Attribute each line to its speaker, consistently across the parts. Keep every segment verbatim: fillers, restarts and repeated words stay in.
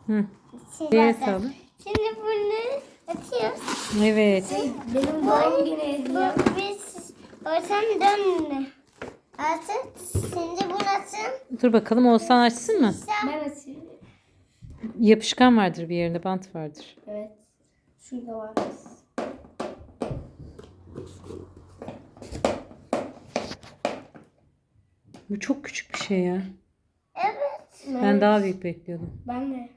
Speaker 1: Hı.
Speaker 2: Şimdi,
Speaker 1: Diğer
Speaker 2: bakın.
Speaker 1: hesabı.
Speaker 2: Şimdi bunu atıyoruz.
Speaker 1: Evet.
Speaker 3: Benim doğum günü hediyem.
Speaker 2: Bu biz ortam dönme. Artık şimdi bunu atın.
Speaker 1: Dur bakalım Oğuzhan açsın mı?
Speaker 3: Ben açayım.
Speaker 1: Yapışkan vardır bir yerinde, bant vardır.
Speaker 3: Evet. Şurada var.
Speaker 1: Bu çok küçük bir şey ya.
Speaker 2: Evet.
Speaker 1: Ben daha büyük bekliyordum.
Speaker 3: Ben de.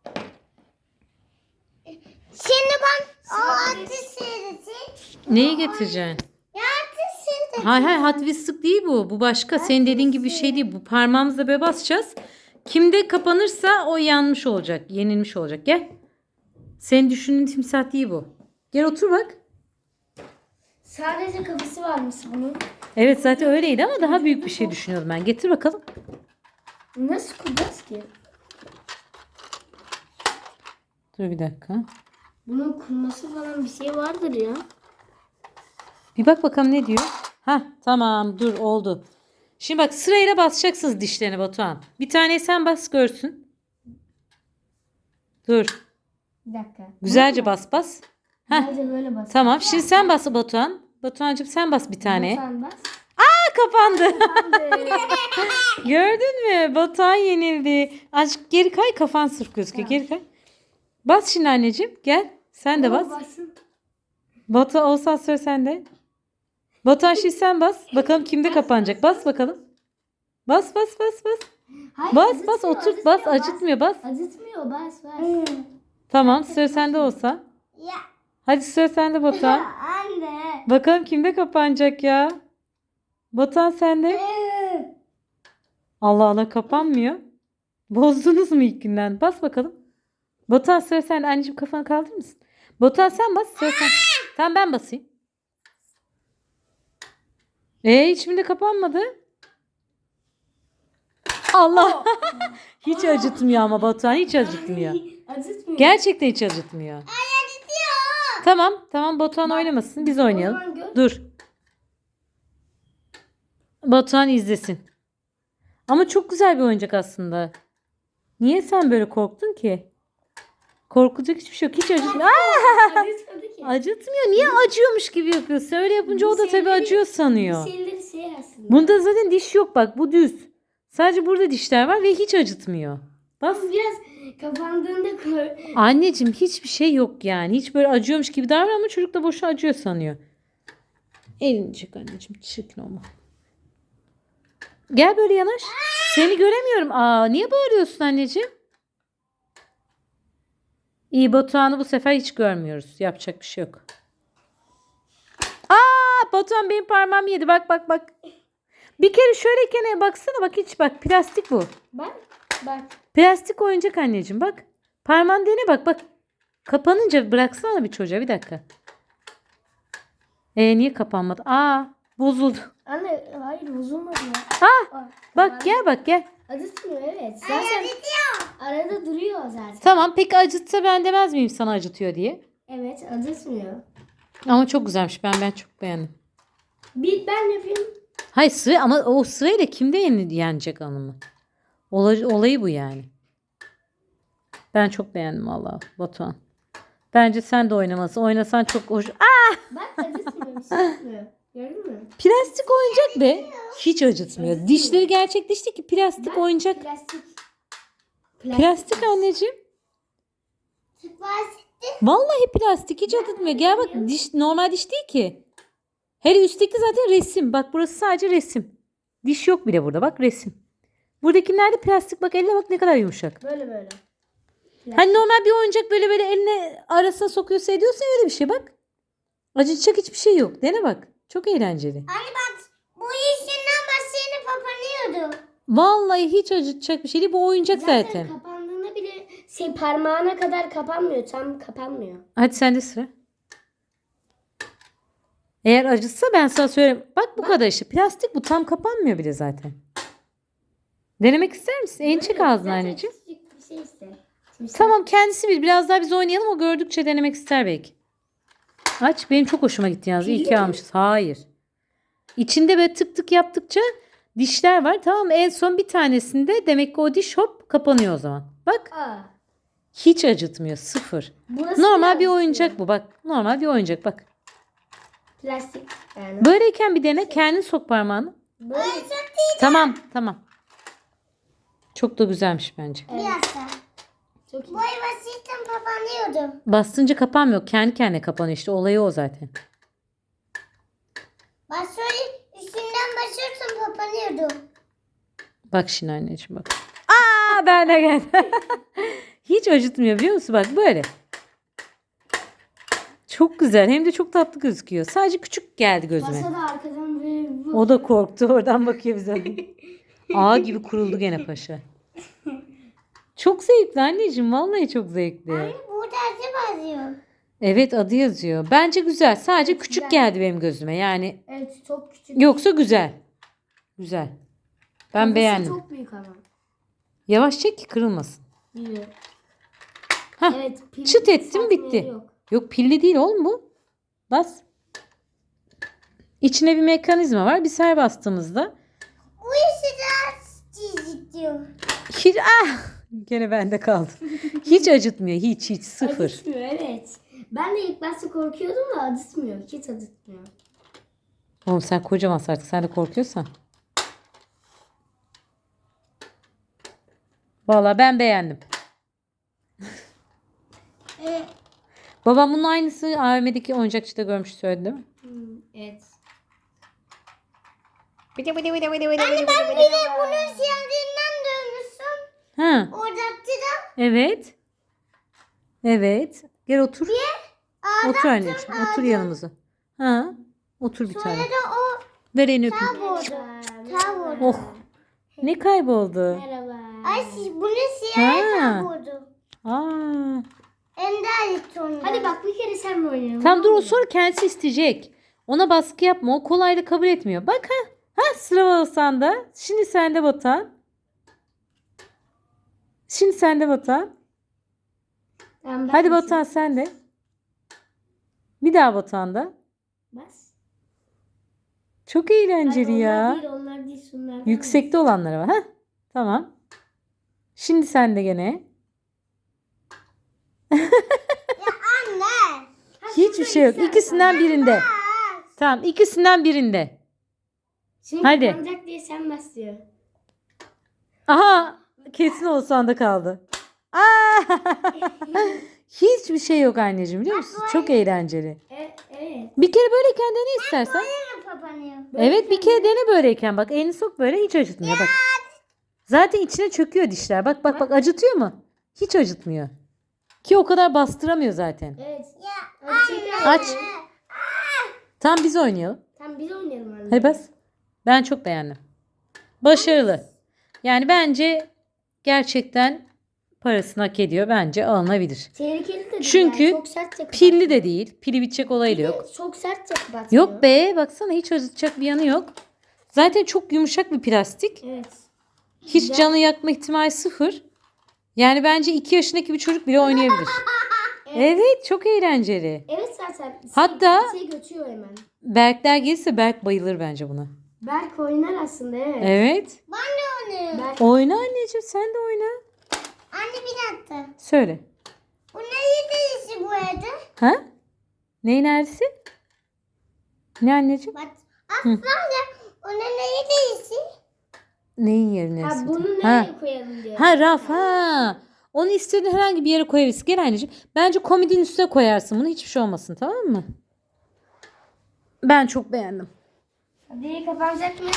Speaker 2: Şimdi ben o atı seyredeceğim.
Speaker 1: Neyi getireceksin?
Speaker 2: Ya atı seyredeceğim.
Speaker 1: Hayır hayır, Hot Wheels'lık değil bu. Bu başka. Senin dediğin gibi bir şey değil. Bu parmağımızla böyle basacağız. Kimde kapanırsa o yanmış olacak. Yenilmiş olacak. Gel. Senin düşündüğün timsah değil bu. Gel otur bak.
Speaker 3: Sadece kafası varmış bunun.
Speaker 1: Evet zaten öyleydi ama daha büyük bir şey düşünüyordum ben. Getir bakalım.
Speaker 3: Nasıl kuracağız ki?
Speaker 1: Dur bir dakika.
Speaker 3: Bunun kurması falan bir şey vardır ya.
Speaker 1: Bir bak bakalım ne diyor. Hah tamam, dur oldu. Şimdi bak sırayla basacaksınız dişlerine Batuhan. Bir tane sen bas görsün. Dur.
Speaker 3: Bir dakika.
Speaker 1: Güzelce bas bas. Heh.
Speaker 3: Sadece böyle bas.
Speaker 1: Tamam şimdi sen bas Batuhan. Batuhan'cığım sen bas bir tane.
Speaker 3: Sen bas.
Speaker 1: Aa, kapandı. Gördün mü? Batuhan yenildi. Azıcık geri kay, kafan sırf gözüküyor. Geri kay. Bas şimdi anneciğim. Gel. Sen de bas.
Speaker 3: Basın.
Speaker 1: Batuhan olsa sıra sende. Batuhan şimdi sen bas. Bakalım kimde kapanacak. Bas bakalım. Bas bas bas bas.
Speaker 3: Hayır,
Speaker 1: Bas bas
Speaker 3: acıtmıyor,
Speaker 1: otur bas.
Speaker 3: acıtmıyor,
Speaker 1: Acıtmıyor bas.
Speaker 3: Acıtmıyor bas bas.
Speaker 1: Tamam sıra sende olsa.
Speaker 2: Ya
Speaker 1: Hadi sıra sende Batuhan.
Speaker 2: anne.
Speaker 1: Bakalım kimde kapanacak ya. Batuhan sende. Allah Allah, kapanmıyor. Bozdunuz mu ilk günden? Bas bakalım. Batuhan sıra sende. Anneciğim kafanı kaldırır mısın? Batuhan sen bas. Sıra sen. Tamam ben basayım. Ee hiçbirinde kapanmadı. Allah. Hiç acıtmıyor ama Batuhan hiç acıtmıyor.
Speaker 3: Acıtmıyor.
Speaker 1: Gerçekten hiç acıtmıyor. Tamam tamam Batuhan oynamasın. Biz oynayalım.
Speaker 3: zaman gör.
Speaker 1: Dur. Batuhan izlesin. Ama çok güzel bir oyuncak aslında. Niye sen böyle korktun ki? Korkacak hiçbir şey yok. Hiç acıtmıyor. Aa!
Speaker 3: Acıtmadı ki.
Speaker 1: Acıtmıyor. Niye acıyormuş gibi yapıyorsun? Öyle yapınca o da tabii
Speaker 3: şeyleri-
Speaker 1: acıyor sanıyor.
Speaker 3: Bir şeyleri şey aslında.
Speaker 1: Bunda zaten diş yok bak. Bu düz. Sadece burada dişler var ve hiç acıtmıyor. Bas.
Speaker 3: Ama biraz kapandığında koy.
Speaker 1: Anneciğim hiçbir şey yok yani. Hiç böyle acıyormuş gibi davran ama çocuk da boşuna acıyor sanıyor. Elini çek anneciğim. Çirkin olma. Gel böyle yanaş. Seni göremiyorum. Aa, niye bağırıyorsun anneciğim? İyi, Batuhan'ı bu sefer hiç görmüyoruz. Yapacak bir şey yok. Aa, Batuhan benim parmağımı yedi. Bak bak bak. Bir kere şöyle kenara baksana. Bak hiç bak. Plastik bu.
Speaker 3: Bak bak.
Speaker 1: Plastik oyuncak anneciğim bak. Parmağın dene bak bak. Kapanınca bıraksana bir çocuğa, bir dakika. E niye kapanmadı? Aa, bozuldu.
Speaker 3: Anne hayır bozulmadı ya.
Speaker 1: Ah,
Speaker 3: Aa,
Speaker 1: bak gel bak gel.
Speaker 3: Acıtmıyor evet. Zaten arada duruyor zaten.
Speaker 1: Tamam peki acıtsa ben demez miyim sana acıtıyor diye.
Speaker 3: Evet acıtmıyor.
Speaker 1: Ama çok güzelmiş, ben ben çok beğendim.
Speaker 3: Bir ben yapayım.
Speaker 1: Hayır sıra, ama o sırayla kimde yeni, yenecek hanımı? Olay, olayı bu yani. Ben çok beğendim vallahi Batuhan. Bence sen de oynamasın. Oynasan çok hoş. Aa,
Speaker 3: Bak acıtmıyor bir şey yapmıyor. Gördün mü?
Speaker 1: plastik oyuncak be. Hiç acıtmıyor. Dişleri gerçek diş değil ki, plastik
Speaker 3: Bak,
Speaker 1: oyuncak.
Speaker 3: Plastik.
Speaker 1: Plastik anneciğim.
Speaker 2: Tıklaştı.
Speaker 1: Vallahi plastik, hiç acıtmıyor. Gel bak, diş normal diş değil ki. Hele üstteki zaten resim. Bak burası sadece resim. Diş yok bile burada, bak resim. Buradakiler de plastik, bak eline bak ne kadar yumuşak.
Speaker 3: Böyle böyle.
Speaker 1: Hani normal bir oyuncak böyle böyle eline arasına sokuyorsa ediyorsa öyle bir şey bak. Acıtacak hiçbir şey yok. Dene bak. Çok eğlenceli.
Speaker 2: Anne bak bu işinden başlayını papanıyordu.
Speaker 1: Vallahi hiç acıtacak bir şey değil. Bu oyuncak zaten.
Speaker 3: Zaten kapandığında bile şey parmağına kadar kapanmıyor. Tam kapanmıyor.
Speaker 1: Hadi sende sıra. Eğer acıtsa ben sana söyleyeyim. Bak bu kadar işte. Plastik bu, tam kapanmıyor bile zaten. Denemek ister misin? Elini çek ağzına
Speaker 3: Zaten
Speaker 1: anneciğim.
Speaker 3: küçücük bir şey işte. Şimdi
Speaker 1: Tamam kendisi bil. Biraz daha biz oynayalım. O gördükçe denemek ister belki. Aç. Benim çok hoşuma gitti yalnız. İyi ki almışız. Hayır. İçinde böyle tık tık yaptıkça dişler var. Tamam mı? En son bir tanesinde demek ki o diş hop kapanıyor o zaman. Bak.
Speaker 3: Aa,
Speaker 1: Hiç acıtmıyor. Sıfır.
Speaker 3: Burası
Speaker 1: Normal bir
Speaker 3: biraz
Speaker 1: oyuncak bu bak. Normal bir oyuncak bak.
Speaker 3: Plastik yani.
Speaker 1: Böyleyken bir dene. Kendin sok parmağını.
Speaker 3: Böyle.
Speaker 1: Tamam tamam. Çok da güzelmiş bence.
Speaker 2: Bir dakika.
Speaker 3: Çok iyi.
Speaker 2: Boy basitten kapanıyordu.
Speaker 1: Bastınca kapanmıyor. Kendi kendine kapanıyor işte. Olayı o zaten.
Speaker 2: Bak şöyle üstünden basıyorsun kapanıyordu.
Speaker 1: Bak şimdi anneciğim bak. Aa ben de geldim. Hiç acıtmıyor biliyor musun? Bak böyle. Çok güzel. Hem de çok tatlı gözüküyor. Sadece küçük geldi gözüme.
Speaker 3: Masa da arkadan böyle bu.
Speaker 1: O da korktu. Oradan bakıyor bize. Ağ gibi kuruldu gene paşa. Çok zevkli anneciğim. Vallahi çok zevkli.
Speaker 2: Anne burada acı basıyor.
Speaker 1: Evet adı yazıyor. Bence güzel. Sadece küçük
Speaker 3: güzel.
Speaker 1: geldi benim gözüme. Yani
Speaker 3: Evet çok küçük.
Speaker 1: yoksa güzel. Güzel. Ben
Speaker 3: Kafası
Speaker 1: beğendim.
Speaker 3: çok büyük ama.
Speaker 1: Yavaş çek ki kırılmasın.
Speaker 3: Biliyor.
Speaker 1: Hah,
Speaker 3: Evet. pil
Speaker 1: çıt ettim,
Speaker 3: yükseltmeleri
Speaker 1: bitti.
Speaker 3: Yok.
Speaker 1: Yok pilli değil oğlum bu. Bas. İçine bir mekanizma var. Bir ser bastığımızda.
Speaker 2: Bu işi daha çizik diyor.
Speaker 1: Hiç ah gene bende kaldı. Hiç acıtmıyor. Hiç hiç sıfır.
Speaker 3: Acıtmıyor evet. Ben de ilk başta korkuyordum da acıtmıyor. Hiç acıtmıyor.
Speaker 1: Oğlum sen kocaman artık. Sen de korkuyorsan. Vallahi ben beğendim.
Speaker 2: Ee,
Speaker 1: Babam bunun aynısı A V M'deki oyuncakçıda görmüş söyledi değil mi?
Speaker 3: Hmm, evet.
Speaker 2: Anne ben bir de bunun siyahından dönmüşsün.
Speaker 1: Ha,
Speaker 2: Oradaki da
Speaker 1: evet. Evet. Gel otur.
Speaker 2: ağda
Speaker 1: Otur anneciğim. Otur yanımıza. Ha, otur bir tane.
Speaker 2: sonra da o
Speaker 1: Ver elini öpeyim.
Speaker 2: kayboldu. Kayboldu.
Speaker 1: Oh. Ne kayboldu?
Speaker 3: Merhaba.
Speaker 2: Ay siz bunun siyahı
Speaker 1: Ha.
Speaker 2: kayboldu.
Speaker 1: Aa.
Speaker 2: Ender gitti ondan.
Speaker 3: Hadi bak bir kere sen mi oynayalım?
Speaker 1: Tam dur o sonra kendisi isteyecek. Ona baskı yapma. O kolayla kabul etmiyor. Bak ha. Ha sıra Oğuzhan'da. Şimdi sende Batuhan. Şimdi sende Batuhan.
Speaker 3: Tamam, ben
Speaker 1: Hadi
Speaker 3: basayım.
Speaker 1: Batuhan sen de. Bir daha Batuhan'da.
Speaker 3: Bas.
Speaker 1: Çok eğlenceli
Speaker 3: Hayır,
Speaker 1: ya.
Speaker 3: Onlar değil onlar değil şunlar.
Speaker 1: Yüksekte olanlara var. Ha? Tamam. Şimdi sende gene.
Speaker 2: Anne.
Speaker 1: Hiçbir şey yok. İkisinden birinde. Tamam ikisinden birinde.
Speaker 3: Şimdi
Speaker 1: Hadi.
Speaker 3: kapanacak diye sen bas diyor.
Speaker 1: Aha kesin Oğuzhan'da kaldı. Aa! Hiçbir şey yok anneciğim biliyor musun? Çok eğlenceli.
Speaker 3: Evet. evet.
Speaker 1: Bir kere böyleyken dene istersen.
Speaker 2: Böyle kapanıyor.
Speaker 1: Evet bir kere dene böyleyken. Bak elini sok böyle hiç acıtmıyor bak. Zaten içine çöküyor dişler. Bak bak bak acıtıyor mu? Hiç acıtmıyor. Ki o kadar bastıramıyor zaten.
Speaker 3: Evet.
Speaker 2: Ya
Speaker 3: Hadi
Speaker 1: Aç. Tam biz oynayalım.
Speaker 3: Tamam biz oynayalım anne.
Speaker 1: Hadi bas. Ben çok beğendim. Başarılı. Yani bence gerçekten parasını hak ediyor. Bence alınabilir.
Speaker 3: Tehlikeli de değil
Speaker 1: Çünkü
Speaker 3: yani. Çok sertçe
Speaker 1: Pilli de değil. Pili bitecek olayı da yok.
Speaker 3: kapatıyor. Çok sertçe kapatıyor.
Speaker 1: Yok be baksana hiç acıtacak bir yanı yok. Zaten çok yumuşak bir plastik.
Speaker 3: Evet.
Speaker 1: Hiç
Speaker 3: Güzel.
Speaker 1: canı yakma ihtimali sıfır. Yani bence iki yaşındaki bir çocuk bile oynayabilir. Evet çok eğlenceli.
Speaker 3: Evet zaten.
Speaker 1: Hatta-
Speaker 3: Şey, şey götürüyor hemen.
Speaker 1: Berkler gelirse Berk bayılır bence buna.
Speaker 3: Berk oynar aslında evet.
Speaker 1: Evet.
Speaker 2: ben de oynuyorum.
Speaker 3: Berk
Speaker 1: Oyna anneciğim sen de oyna.
Speaker 2: Anne bir dakika.
Speaker 1: Söyle.
Speaker 2: Bu ne yedisi bu arada?
Speaker 1: Ha? Neyin neresi? Ne anneciğim?
Speaker 2: Bak. Aslında o ne yedisi?
Speaker 1: Neyin yeri
Speaker 3: ha,
Speaker 1: neresi?
Speaker 3: bunu nereye
Speaker 1: Ha.
Speaker 3: koyalım diyor.
Speaker 1: Ha raf ha. Onu istediğin herhangi bir yere koyabilirsin. Gel anneciğim. Bence komodinin üstüne koyarsın bunu. Hiçbir şey olmasın tamam mı? Ben çok beğendim.
Speaker 3: Hadi kapanacak mı?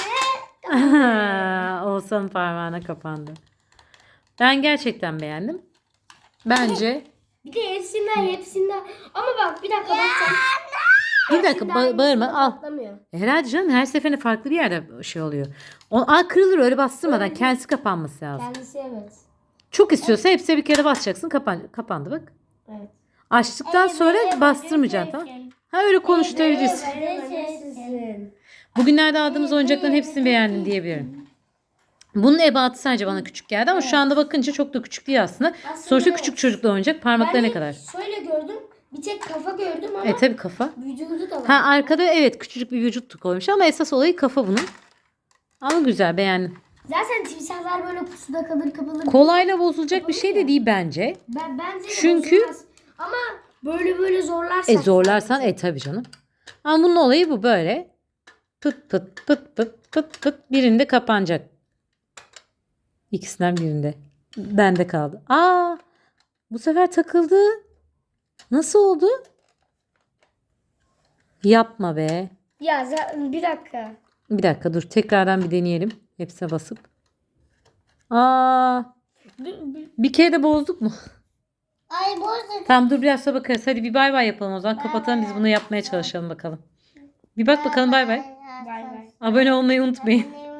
Speaker 1: Oğuzhan'ın parmağına kapandı. Ben gerçekten beğendim. Bence.
Speaker 3: Bir de hepsinden hepsinden. Ama bak bir dakika bak sen.
Speaker 1: Bir dakika ba- bağırma al.
Speaker 3: Patlamıyor.
Speaker 1: Herhalde canım her seferinde farklı bir yerde şey oluyor. O, aa, kırılır öyle bastırmadan
Speaker 3: Öyle.
Speaker 1: kendisi kapanması lazım.
Speaker 3: Kendisi evet.
Speaker 1: Çok istiyorsa hepsine bir kere basacaksın. Kapan kapandı bak.
Speaker 3: Evet.
Speaker 1: Açtıktan sonra bastırmayacaksın tamam. Ha öyle konuşturabilirsin.
Speaker 3: Sizin.
Speaker 1: Bugünlerde aldığımız oyuncakların hepsini beğendim diyebilirim. Bunun ebatı sadece bana küçük geldi ama şu anda bakınca çok da küçük değil aslında.
Speaker 3: Aslında
Speaker 1: Sonuçta
Speaker 3: evet.
Speaker 1: küçük çocukla oynayacak parmakları
Speaker 3: Ben
Speaker 1: ne
Speaker 3: de
Speaker 1: kadar?
Speaker 3: şöyle gördüm. Bir tek kafa gördüm ama
Speaker 1: E tabi kafa.
Speaker 3: vücudu da var.
Speaker 1: Ha arkada evet küçücük bir vücut koymuş ama esas olayı kafa bunun. Ama güzel beğendim.
Speaker 3: Zaten timsahlar böyle pusuda kalır kapılır.
Speaker 1: Kolayla bozulacak bir şey de değil bence.
Speaker 3: Ben, bence de
Speaker 1: Çünkü-
Speaker 3: bozulmaz. Ama böyle böyle zorlarsan.
Speaker 1: E zorlarsan e tabii canım. Ama bunun olayı bu böyle. Pıt pıt pıt pıt pıt pıt birinde kapanacak. İkisinden birinde. Bende kaldı. Aa, bu sefer takıldı. Nasıl oldu? Yapma be.
Speaker 3: Ya za- bir dakika.
Speaker 1: Bir dakika dur. Tekrardan bir deneyelim. Hepsine basıp. Aa, bir kere de bozduk mu?
Speaker 2: Ay bozduk.
Speaker 1: Tamam dur biraz sonra bakarız. Hadi bir bay bay yapalım o zaman. Kapatalım biz bunu yapmaya çalışalım bakalım. Bir bak bakalım bay bay.
Speaker 3: Bay bay.
Speaker 1: Abone olmayı unutmayın.
Speaker 2: Anne